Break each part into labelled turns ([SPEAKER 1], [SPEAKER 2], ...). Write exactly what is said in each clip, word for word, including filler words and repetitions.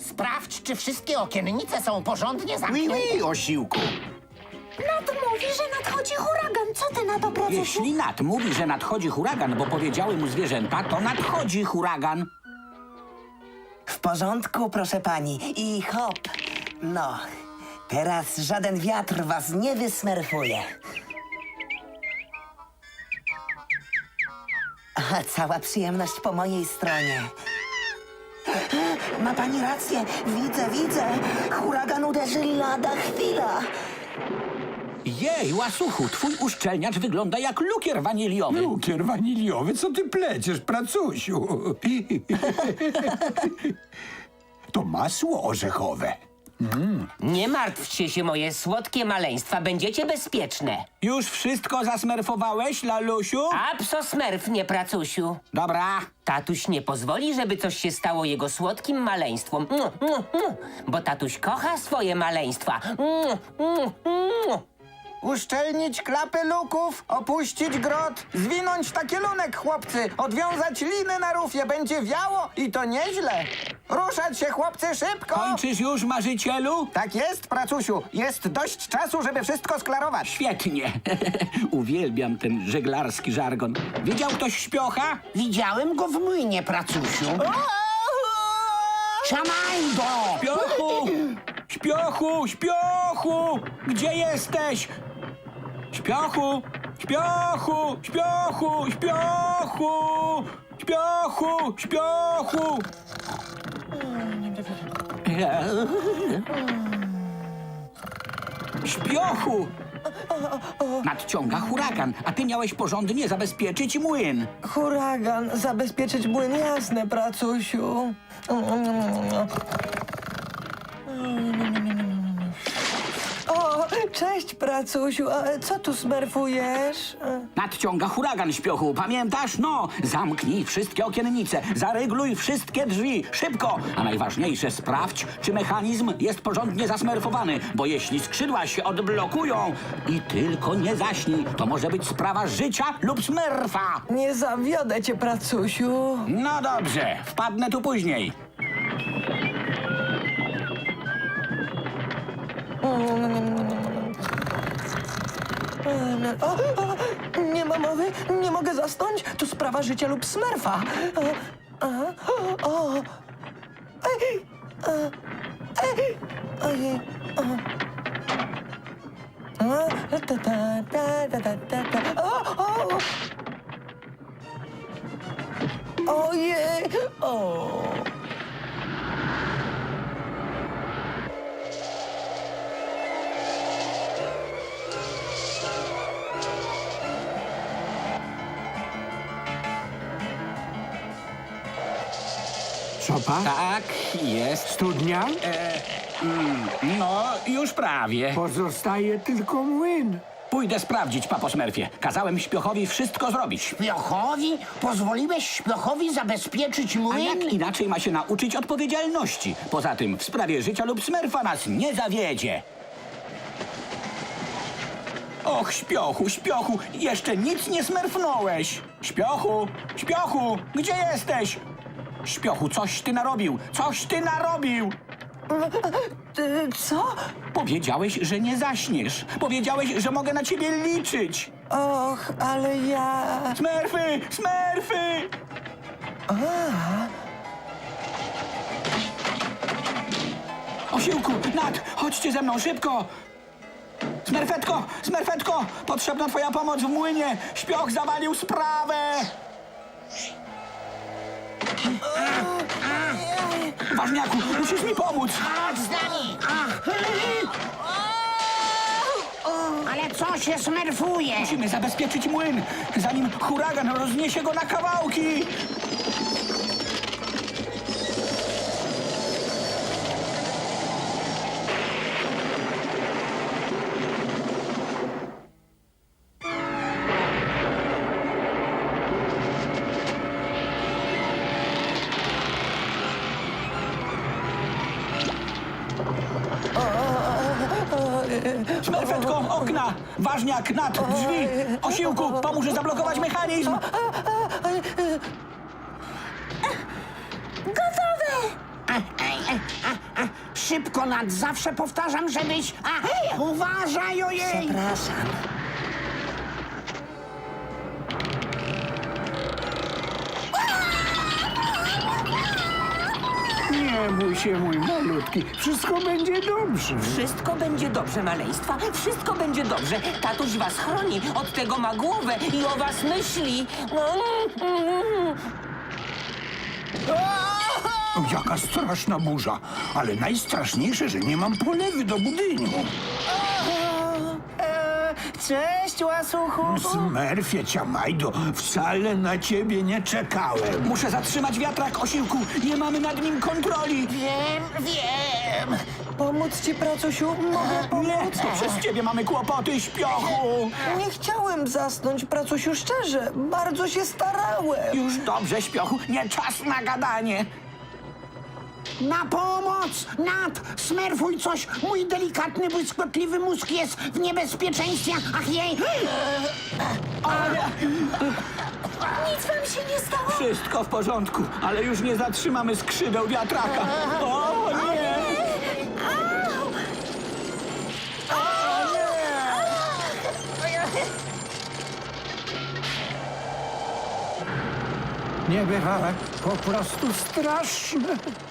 [SPEAKER 1] Sprawdź, czy wszystkie okiennice są porządnie
[SPEAKER 2] Ui,
[SPEAKER 1] zamknięte.
[SPEAKER 2] ui, osiłku.
[SPEAKER 3] Nat mówi, że nadchodzi huragan. Co ty na to, Pracusiu?
[SPEAKER 4] Jeśli Nat mówi, że nadchodzi huragan, bo powiedziały mu zwierzęta, to nadchodzi huragan.
[SPEAKER 5] W porządku, proszę pani. I hop. No, teraz żaden wiatr was nie wysmerfuje. A cała przyjemność po mojej stronie. Ma pani rację. Widzę, widzę. Huragan uderzy lada chwila.
[SPEAKER 4] Jej, łasuchu, twój uszczelniacz wygląda jak lukier waniliowy.
[SPEAKER 6] Lukier waniliowy, co ty pleciesz, pracusiu? To masło orzechowe.
[SPEAKER 7] Nie martwcie się, moje słodkie maleństwa, będziecie bezpieczne.
[SPEAKER 4] Już wszystko zasmerfowałeś, lalusiu?
[SPEAKER 7] Apsosmerf, nie Pracusiu.
[SPEAKER 4] Dobra.
[SPEAKER 7] Tatuś nie pozwoli, żeby coś się stało jego słodkim maleństwom. Mm, mm, mm. Bo tatuś kocha swoje maleństwa. Mm, mm, mm.
[SPEAKER 2] Uszczelnić klapy luków, opuścić grot, zwinąć takielunek, chłopcy, odwiązać liny na rufie, będzie wiało i to nieźle. Ruszać się, chłopcy, szybko!
[SPEAKER 4] Kończysz już, marzycielu?
[SPEAKER 2] Tak jest, pracusiu, jest dość czasu, żeby wszystko sklarować.
[SPEAKER 4] Świetnie. Uwielbiam ten żeglarski żargon. Widział ktoś śpiocha?
[SPEAKER 1] Widziałem go w młynie, pracusiu. Szamaj go!
[SPEAKER 4] Śpiochu! Śpiochu! Śpiochu! Gdzie jesteś? Śpiochu! Śpiochu! Śpiochu! Śpiochu! Śpiochu! Śpiochu! Śpiochu! Nadciąga huragan, a ty miałeś porządnie zabezpieczyć młyn.
[SPEAKER 8] Huragan, zabezpieczyć młyn, jasne, pracusiu. O, cześć, pracusiu, a co tu smerfujesz?
[SPEAKER 4] Nadciąga huragan, śpiochu, pamiętasz? No, zamknij wszystkie okiennice, zarygluj wszystkie drzwi, szybko! A najważniejsze, sprawdź, czy mechanizm jest porządnie zasmerfowany, bo jeśli skrzydła się odblokują i tylko nie zaśnij, to może być sprawa życia lub smerfa.
[SPEAKER 8] Nie zawiodę cię, pracusiu.
[SPEAKER 4] No dobrze, wpadnę tu później.
[SPEAKER 8] O, o, nie ma mowy, nie mogę zasnąć. To sprawa życia lub smerfa. O, o, o. Ej, o, ej, ojej, o. O, ta, ta, ta, ta, ta, ta, ta. O, o. Ojej, o.
[SPEAKER 6] Sopa?
[SPEAKER 4] Tak, jest.
[SPEAKER 6] Studnia?
[SPEAKER 4] No, już prawie.
[SPEAKER 6] Pozostaje tylko młyn.
[SPEAKER 4] Pójdę sprawdzić, papo Smurfie. Kazałem śpiochowi wszystko zrobić.
[SPEAKER 1] Śpiochowi? Pozwoliłeś Śpiochowi zabezpieczyć
[SPEAKER 4] A
[SPEAKER 1] młyn?
[SPEAKER 4] jak inaczej ma się nauczyć odpowiedzialności? Poza tym w sprawie życia lub smerfa nas nie zawiedzie. Och, śpiochu, śpiochu, jeszcze nic nie smerfnąłeś. Śpiochu, śpiochu, gdzie jesteś? Śpiochu, coś ty narobił, coś ty narobił.
[SPEAKER 8] Ty, co?
[SPEAKER 4] Powiedziałeś, że nie zaśniesz. Powiedziałeś, że mogę na ciebie liczyć.
[SPEAKER 8] Och, ale ja...
[SPEAKER 4] Smerfy, smerfy! Osiłku, Nat, chodźcie ze mną, szybko! Smerfetko, smerfetko, potrzebna twoja pomoc w młynie. Śpioch zawalił sprawę. Ważniaku, musisz mi pomóc.
[SPEAKER 1] Chodź z nami! Ale co się smerfuje?
[SPEAKER 4] Musimy zabezpieczyć młyn, zanim huragan rozniesie go na kawałki. Smerfetko, okna! Ważniak, Nat, drzwi! Osiłku, pomóż zablokować mechanizm!
[SPEAKER 3] Gotowe!
[SPEAKER 1] A, a, a, szybko, Nat. Zawsze powtarzam, żebyś... A, uważaj, ojej!
[SPEAKER 5] Przepraszam.
[SPEAKER 6] Nie bój się, mój malutki. Wszystko będzie dobrze.
[SPEAKER 7] Wszystko będzie dobrze, maleństwa. Wszystko będzie dobrze. Tatuś was chroni. Od tego ma głowę i o was myśli.
[SPEAKER 6] O, jaka straszna burza. Ale najstraszniejsze, że nie mam polewy do budynku.
[SPEAKER 2] Cześć, łasuchu.
[SPEAKER 6] Smerfie, Ciamajdo, wcale na ciebie nie czekałem.
[SPEAKER 4] Muszę zatrzymać wiatrak, osiłku. Nie mamy nad nim kontroli.
[SPEAKER 1] Wiem, wiem.
[SPEAKER 8] Pomóc ci, pracusiu? Mogę pomóc?
[SPEAKER 4] Nie, to przez ciebie mamy kłopoty, śpiochu.
[SPEAKER 8] Nie chciałem zasnąć, pracusiu, szczerze. Bardzo się starałem.
[SPEAKER 4] Już dobrze, śpiochu. Nie czas na gadanie.
[SPEAKER 1] Na pomoc! Nat, smerfuj coś! Mój delikatny, błyskotliwy mózg jest w niebezpieczeństwie! Ach jej!
[SPEAKER 3] Nic wam się nie stało?
[SPEAKER 4] Wszystko w porządku, ale już nie zatrzymamy skrzydeł wiatraka. O nie!
[SPEAKER 6] Niebywałe, po prostu straszne.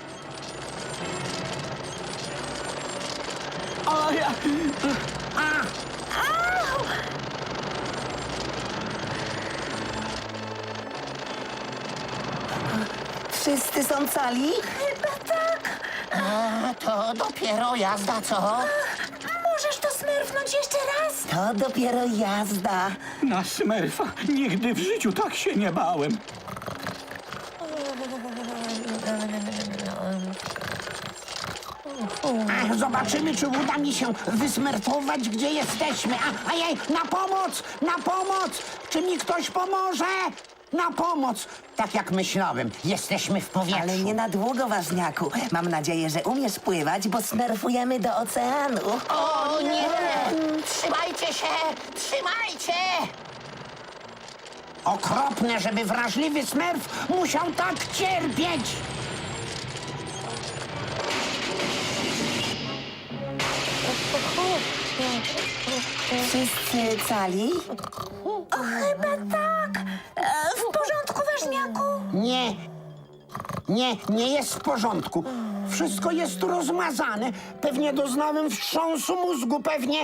[SPEAKER 4] O ja!
[SPEAKER 5] Wszyscy są cali?
[SPEAKER 1] A, to dopiero jazda, co?
[SPEAKER 3] Możesz to smerfnąć jeszcze raz?
[SPEAKER 5] To dopiero jazda.
[SPEAKER 4] Na Smerfa nigdy w życiu tak się nie bałem.
[SPEAKER 1] A, zobaczymy, czy uda mi się wysmerfować, gdzie jesteśmy. A, a jej, na pomoc! Na pomoc! Czy mi ktoś pomoże? Na pomoc! Tak jak myślałem, jesteśmy w powietrzu.
[SPEAKER 5] Ale nie na długo, ważniaku. Mam nadzieję, że umiesz pływać, bo smerfujemy do oceanu.
[SPEAKER 1] O nie! Trzymajcie się! Trzymajcie! Okropne, żeby wrażliwy smerf musiał tak cierpieć!
[SPEAKER 5] Wszyscy cali?
[SPEAKER 3] O, chyba tak. E, w porządku, ważniaku?
[SPEAKER 1] Nie, nie, nie jest w porządku. Wszystko jest rozmazane. Pewnie doznałem wstrząsu mózgu, pewnie.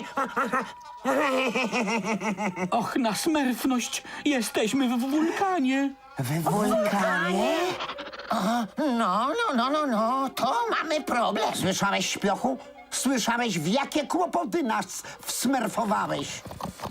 [SPEAKER 4] Och, na smerfność! Jesteśmy w wulkanie.
[SPEAKER 5] W wulkanie?
[SPEAKER 1] No, no, no, no, no, to mamy problem. Słyszałeś, śpiochu? Słyszałeś, w jakie kłopoty nas wsmerfowałeś?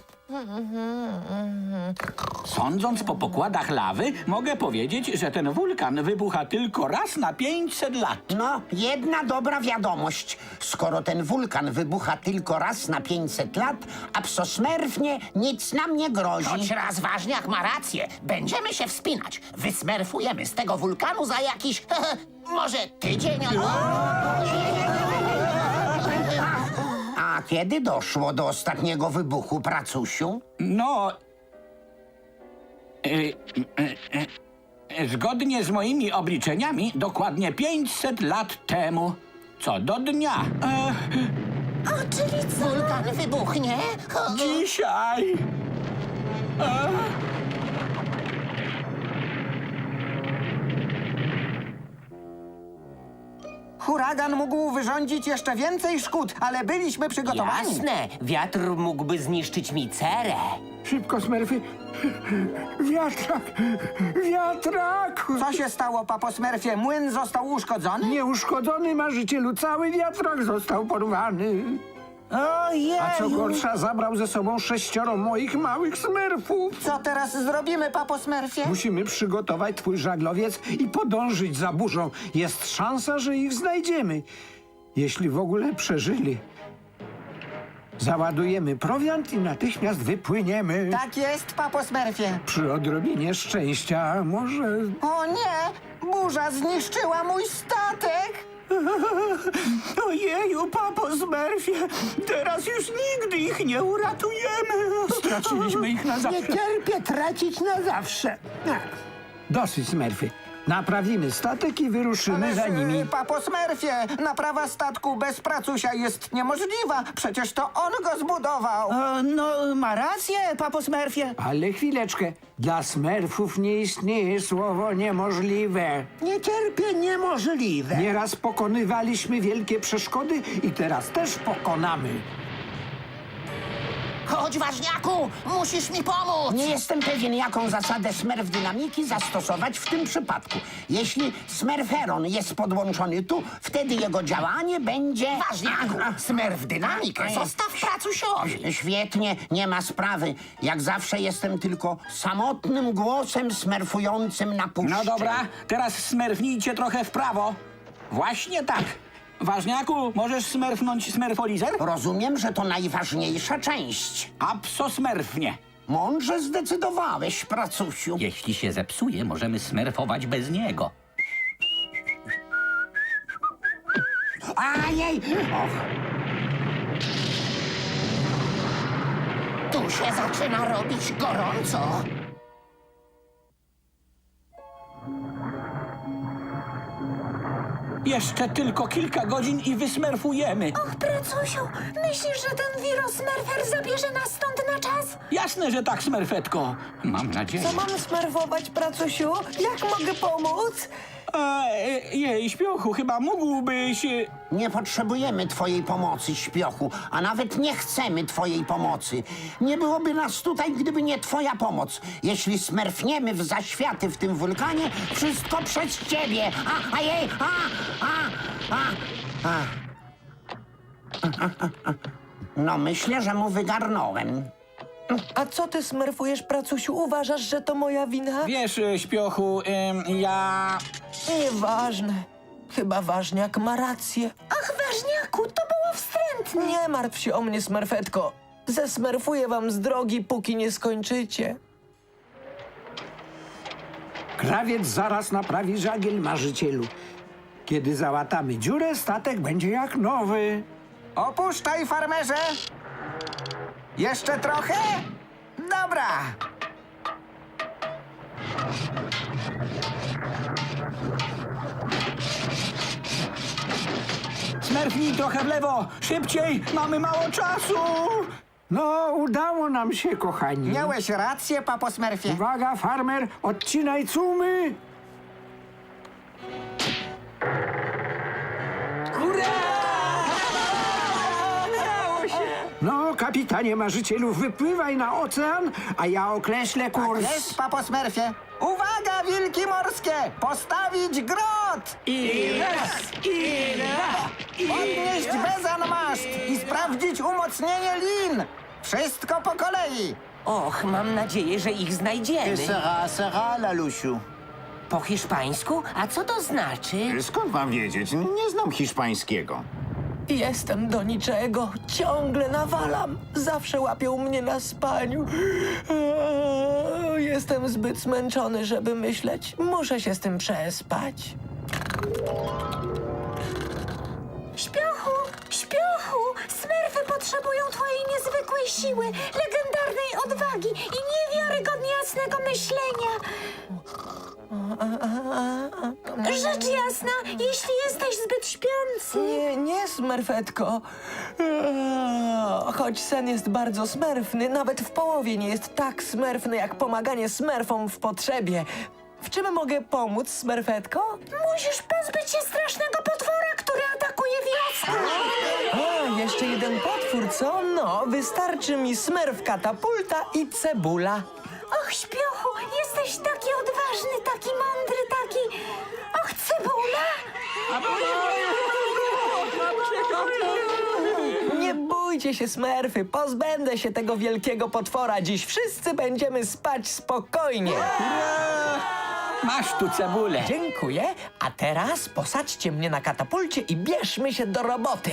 [SPEAKER 4] Sądząc po pokładach lawy, mogę powiedzieć, że ten wulkan wybucha tylko raz na pięćset lat.
[SPEAKER 1] No, jedna dobra wiadomość. Skoro ten wulkan wybucha tylko raz na pięćset lat, a psosmerfnie nic nam nie grozi.
[SPEAKER 9] Choć raz ważniak ma rację. Będziemy się wspinać. Wysmerfujemy z tego wulkanu za jakiś... może tydzień albo...
[SPEAKER 1] A kiedy doszło do ostatniego wybuchu, pracusiu?
[SPEAKER 4] No... Y, y, y, y, zgodnie z moimi obliczeniami, dokładnie pięćset lat temu. Co do dnia. E,
[SPEAKER 3] O, czyli co?
[SPEAKER 9] Wulkan wybuchnie?
[SPEAKER 4] dzisiaj. E,
[SPEAKER 2] Huragan mógł wyrządzić jeszcze więcej szkód, ale byliśmy przygotowani.
[SPEAKER 7] Jasne, wiatr mógłby zniszczyć mi cerę.
[SPEAKER 6] Szybko, Smerfy. Wiatrak! Wiatrak!
[SPEAKER 2] Co się stało, papo Smerfie? Młyn został uszkodzony?
[SPEAKER 6] Nieuszkodzony marzycielu, cały wiatrak został porwany.
[SPEAKER 2] Ojej!
[SPEAKER 6] A co gorsza, zabrał ze sobą sześcioro moich małych smerfów.
[SPEAKER 2] Co teraz zrobimy, papo Smerfie?
[SPEAKER 6] Musimy przygotować twój żaglowiec i podążyć za burzą. Jest szansa, że ich znajdziemy. Jeśli w ogóle przeżyli. Załadujemy prowiant i natychmiast wypłyniemy.
[SPEAKER 2] Tak jest, papo Smerfie.
[SPEAKER 6] Przy odrobinie szczęścia może...
[SPEAKER 2] O nie! Burza zniszczyła mój statek!
[SPEAKER 4] Ojeju, papo Smurfie, teraz już nigdy ich nie uratujemy. Straciliśmy ich na zawsze.
[SPEAKER 6] cierpię tracić na zawsze. Dosyć, Smerfy. Naprawimy statek i wyruszymy za nimi.
[SPEAKER 2] y, papo Smurfie, naprawa statku bez pracusia jest niemożliwa. Przecież to on go zbudował.
[SPEAKER 8] E, no, ma rację, papo Smurfie.
[SPEAKER 6] Ale chwileczkę. Dla smerfów nie istnieje słowo niemożliwe.
[SPEAKER 1] Nie cierpię niemożliwe.
[SPEAKER 6] Nieraz pokonywaliśmy wielkie przeszkody i teraz też pokonamy.
[SPEAKER 9] Chodź, ważniaku, musisz mi pomóc.
[SPEAKER 1] Nie jestem pewien, jaką zasadę smerf dynamiki zastosować w tym przypadku. Jeśli smerferon jest podłączony tu, wtedy jego działanie będzie...
[SPEAKER 9] Ważniaku, smerf dynamikę zostaw pracusiowi.
[SPEAKER 1] Świetnie, nie ma sprawy. Jak zawsze jestem tylko samotnym głosem smerfującym na puszczy.
[SPEAKER 4] No dobra, teraz smerfnijcie trochę w prawo. Właśnie tak. Ważniaku, możesz smerfnąć smerfolizer?
[SPEAKER 1] Rozumiem, że to najważniejsza część.
[SPEAKER 4] Apsosmerfnie.
[SPEAKER 1] Mądrze zdecydowałeś, pracusiu.
[SPEAKER 4] Jeśli się zepsuje, możemy smerfować bez niego.
[SPEAKER 1] Ajej! Och,
[SPEAKER 9] Tu się zaczyna robić gorąco.
[SPEAKER 4] Jeszcze tylko kilka godzin i wysmerfujemy.
[SPEAKER 3] Och, pracusiu, myślisz, że ten wirosmerfer zabierze nas stąd na czas?
[SPEAKER 4] Jasne, że tak, smerfetko. Mam nadzieję.
[SPEAKER 8] Co mam smerfować, pracusiu? Jak mogę pomóc?
[SPEAKER 4] A, e, jej, śpiochu, chyba mógłbyś... e,
[SPEAKER 1] nie potrzebujemy twojej pomocy, śpiochu, a nawet nie chcemy twojej pomocy. Nie byłoby nas tutaj, gdyby nie twoja pomoc. Jeśli smerfniemy w zaświaty w tym wulkanie, wszystko przez ciebie. A, a jej, a, a, a, a. No, myślę, że mu wygarnąłem.
[SPEAKER 8] A co ty smerfujesz, pracusiu? Uważasz, że to moja wina?
[SPEAKER 4] Wiesz, e, śpiochu, em, ja...
[SPEAKER 8] Nieważne. Chyba ważniak ma rację.
[SPEAKER 3] Ach, ważniaku, to było wstrętne.
[SPEAKER 8] Nie martw się o mnie, smerfetko. Zesmerfuję wam z drogi, póki nie skończycie.
[SPEAKER 6] Krawiec zaraz naprawi żagiel, marzycielu. Kiedy załatamy dziurę, statek będzie jak nowy.
[SPEAKER 2] Opuszczaj, farmerze. Jeszcze trochę? Dobra.
[SPEAKER 4] Smerfnij trochę w lewo! Szybciej! Mamy mało czasu!
[SPEAKER 6] No, udało nam się, kochani.
[SPEAKER 2] Miałeś rację, papo Smurfie.
[SPEAKER 6] Uwaga, farmer, odcinaj cumy. No, kapitanie marzycielu, wypływaj na ocean, a ja określę kurs.
[SPEAKER 2] Jest, papo Smurfie. Uwaga, wilki morskie! Postawić grot!
[SPEAKER 4] I raz, i dwa,
[SPEAKER 2] Podnieść bezanmaszt i sprawdzić umocnienie lin. Wszystko po kolei.
[SPEAKER 7] Och, mam nadzieję, że ich znajdziemy.
[SPEAKER 10] Sera, sera, Lalusiu.
[SPEAKER 7] Po hiszpańsku? A co to znaczy?
[SPEAKER 10] Skąd mam wiedzieć? Nie znam hiszpańskiego.
[SPEAKER 8] Jestem do niczego. Ciągle nawalam. Zawsze łapią mnie na spaniu. Eee, Jestem zbyt zmęczony, żeby myśleć. Muszę się z tym przespać.
[SPEAKER 3] Śpiochu, śpiochu, smerfy potrzebują twojej niezwykłej siły, legendarnej odwagi i niewiarygodnie jasnego myślenia. Rzecz jasna, jeśli jesteś zbyt śpiący.
[SPEAKER 8] Nie, nie, smerfetko. Eee, Choć sen jest bardzo smerfny, nawet w połowie nie jest tak smerfny, jak pomaganie smerfom w potrzebie. W czym mogę pomóc, smerfetko?
[SPEAKER 3] Musisz pozbyć się strasznego potwora, który atakuje wiosnę.
[SPEAKER 8] A, jeszcze jeden potwór, co? No, wystarczy mi smerf, katapulta i cebula.
[SPEAKER 3] Och, śpiochu, jesteś taki odważny, taki mądry, taki... Och, cebula!
[SPEAKER 8] Nie bójcie się, smerfy, pozbędę się tego wielkiego potwora. Dziś wszyscy będziemy spać spokojnie.
[SPEAKER 4] Masz tu cebulę.
[SPEAKER 8] Dziękuję, a teraz posadźcie mnie na katapulcie i bierzmy się do roboty.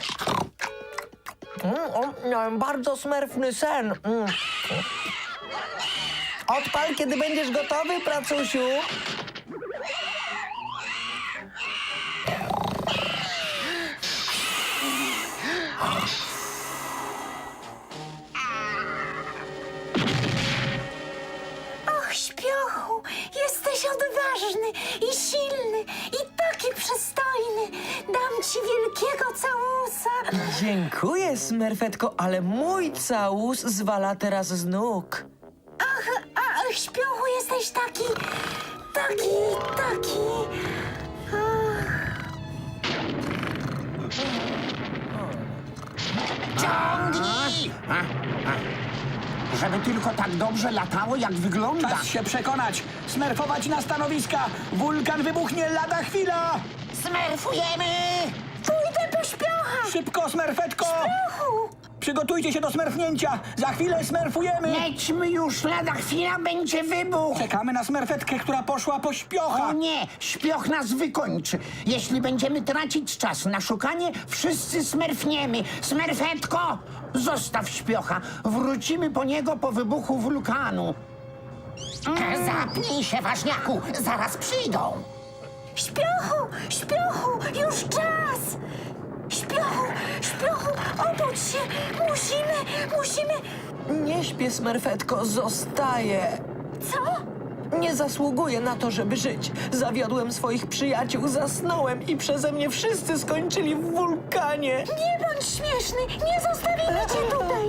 [SPEAKER 8] Mm, o, miałem bardzo smerfny sen. Mm. Odpal, kiedy będziesz gotowy, pracusiu.
[SPEAKER 3] Och, śpiochu, jesteś odważny i ci wielkiego całusa.
[SPEAKER 8] Dziękuję, Smerfetko, ale mój całus zwala teraz z nóg.
[SPEAKER 3] Ach, a, śpiochu, jesteś taki, taki, taki... Ach.
[SPEAKER 9] Ciągnij!
[SPEAKER 1] Żeby tylko tak dobrze latało, jak wygląda.
[SPEAKER 4] Czas się przekonać. Smerfować na stanowiska. Wulkan wybuchnie lada chwila.
[SPEAKER 9] Smerfujemy!
[SPEAKER 3] Pójdę po śpiocha.
[SPEAKER 4] Szybko, Smerfetko.
[SPEAKER 3] Śpiochu.
[SPEAKER 4] Przygotujcie się do smerfnięcia. Za chwilę smerfujemy.
[SPEAKER 1] Lećmy już, lada chwila będzie wybuch.
[SPEAKER 4] Czekamy na smerfetkę, która poszła po śpiocha.
[SPEAKER 1] O nie, śpioch nas wykończy. Jeśli będziemy tracić czas na szukanie, wszyscy smerfniemy. Smerfetko, zostaw śpiocha. Wrócimy po niego po wybuchu wulkanu.
[SPEAKER 9] Zapnij się, ważniaku! Zaraz przyjdą!
[SPEAKER 3] Śpiochu, śpiochu, już czas. Śpiochu, śpiochu, obudź się. Musimy, musimy...
[SPEAKER 8] Nie śpię, Smerfetko, zostaję.
[SPEAKER 3] Co?
[SPEAKER 8] Nie zasługuję na to, żeby żyć. Zawiodłem swoich przyjaciół, zasnąłem i przeze mnie wszyscy skończyli w wulkanie.
[SPEAKER 3] Nie bądź śmieszny, nie zostawimy cię tutaj.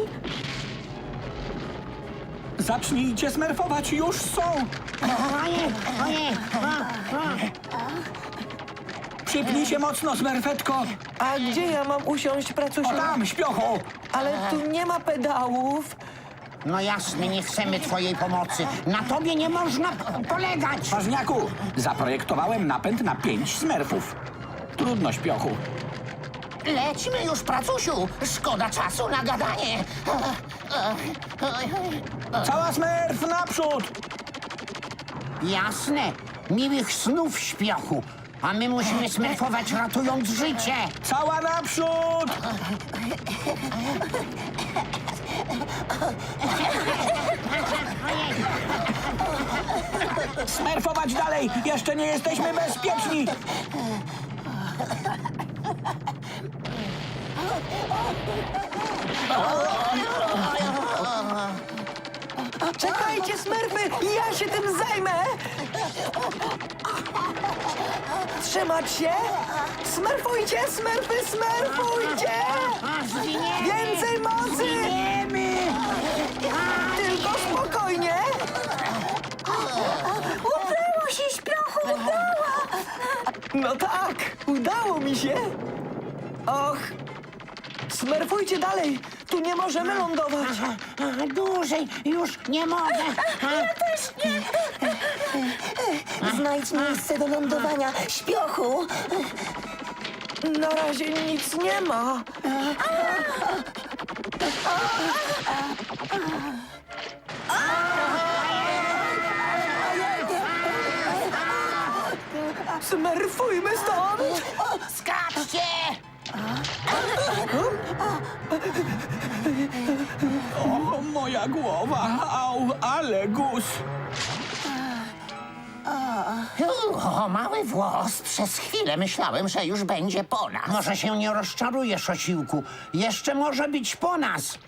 [SPEAKER 4] Zacznijcie smerfować, już są.
[SPEAKER 1] Ojej, ojej, a, a.
[SPEAKER 4] Przypnij się mocno, smerfetko.
[SPEAKER 8] A gdzie ja mam usiąść, pracusiu?
[SPEAKER 4] O tam, śpiochu.
[SPEAKER 8] Ale tu nie ma pedałów.
[SPEAKER 1] No jasne, nie chcemy twojej pomocy. Na tobie nie można polegać.
[SPEAKER 4] Ważniaku, zaprojektowałem napęd na pięć smerfów. Trudno, śpiochu.
[SPEAKER 9] Lećmy już, pracusiu! Szkoda czasu na gadanie!
[SPEAKER 4] Cała smerf naprzód.
[SPEAKER 1] Jasne, miłych snów, śpiochu. A my musimy smerfować, ratując życie.
[SPEAKER 4] Cała naprzód. Smerfować dalej! Jeszcze nie jesteśmy bezpieczni!
[SPEAKER 8] Czekajcie, Smerfy, ja się tym zajmę. Trzymać się. Smerfujcie, Smerfy, smerfujcie. Więcej mocy. Tylko spokojnie.
[SPEAKER 3] Udało się, śpiochu, udało.
[SPEAKER 8] No tak, udało mi się. Och, smerfujcie dalej. Tu nie możemy lądować.
[SPEAKER 1] A, dłużej już nie mogę.
[SPEAKER 3] Ja też nie.
[SPEAKER 5] Znajdź miejsce do lądowania, śpiochu.
[SPEAKER 8] Na razie nic nie ma. Smerfujmy stąd.
[SPEAKER 9] Skaczcie!
[SPEAKER 4] O, moja głowa! Au, ale gus!
[SPEAKER 9] O, mały włos! Przez chwilę myślałem, że już będzie po nas.
[SPEAKER 1] Może się nie rozczarujesz, osiłku. Jeszcze może być po nas.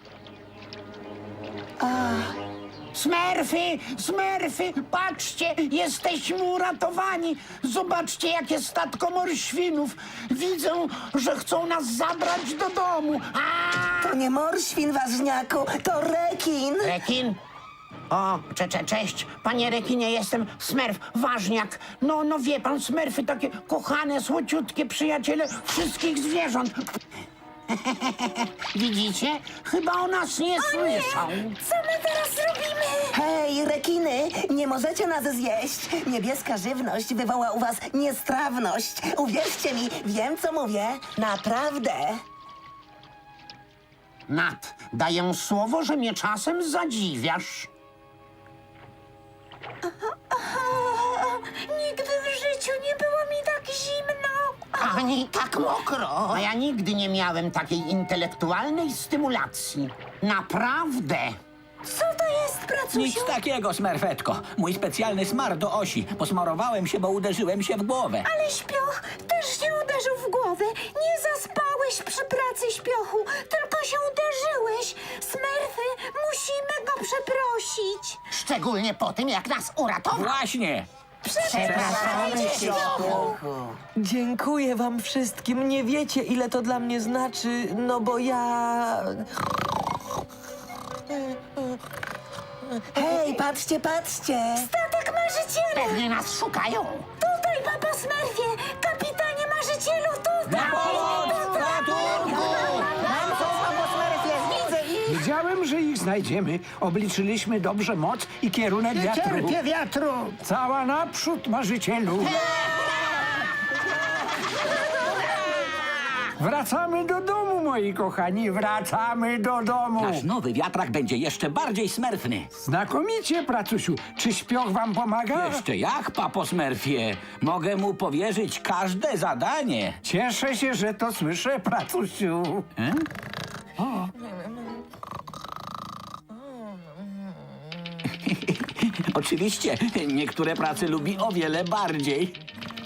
[SPEAKER 1] Smerfy, smerfy, patrzcie, jesteśmy uratowani. Zobaczcie, jakie statko morświnów. Widzę, że chcą nas zabrać do domu. A!
[SPEAKER 5] To nie morświn, ważniaku, to rekin.
[SPEAKER 1] Rekin? O, cze, cze, cześć, panie rekinie, jestem Smerf, ważniak. No, no wie pan, Smerfy takie kochane, słociutkie przyjaciele wszystkich zwierząt. Widzicie? Chyba o nas nie słyszą.
[SPEAKER 3] Co my teraz robimy?
[SPEAKER 5] Hej, rekiny, nie możecie nas zjeść. Niebieska żywność wywoła u was niestrawność. Uwierzcie mi, wiem co mówię. Naprawdę.
[SPEAKER 1] Nat, daję słowo, że mnie czasem zadziwiasz.
[SPEAKER 3] Nigdy w życiu nie było mi tak zimno.
[SPEAKER 9] Ani tak mokro!
[SPEAKER 1] A ja nigdy nie miałem takiej intelektualnej stymulacji. Naprawdę.
[SPEAKER 3] Co to jest, pracusiu?
[SPEAKER 4] Nic takiego, smerfetko. Mój specjalny smar do osi. Posmarowałem się, bo uderzyłem się w głowę.
[SPEAKER 3] Ale śpioch też się uderzył w głowę. Nie zaspałeś przy pracy, śpiochu, tylko się uderzyłeś. Smerfy, musimy go przeprosić.
[SPEAKER 9] Szczególnie po tym, jak nas uratował.
[SPEAKER 4] Właśnie!
[SPEAKER 3] Przepraszamy cię, Śpiochu.
[SPEAKER 8] Dziękuję wam wszystkim. Nie wiecie, ile to dla mnie znaczy, no bo ja...
[SPEAKER 5] Hej, patrzcie, patrzcie!
[SPEAKER 3] Statek marzyciela!
[SPEAKER 9] Pewnie nas szukają.
[SPEAKER 3] Tutaj, papo Smurfie! Kapitanie marzycielu, tutaj!
[SPEAKER 6] Wiedziałem, że ich znajdziemy. Obliczyliśmy dobrze moc i kierunek wiatru.
[SPEAKER 1] Cierpię wiatru.
[SPEAKER 6] Cała naprzód, marzycielu. Wracamy do domu, moi kochani, wracamy do domu.
[SPEAKER 4] Nasz nowy wiatrak będzie jeszcze bardziej smerfny.
[SPEAKER 6] Znakomicie, pracusiu. Czy śpioch wam pomaga?
[SPEAKER 4] Jeszcze jak, papo Smurfie? Mogę mu powierzyć każde zadanie.
[SPEAKER 6] Cieszę się, że to słyszę, pracusiu.
[SPEAKER 4] Oczywiście, niektóre prace lubi o wiele bardziej.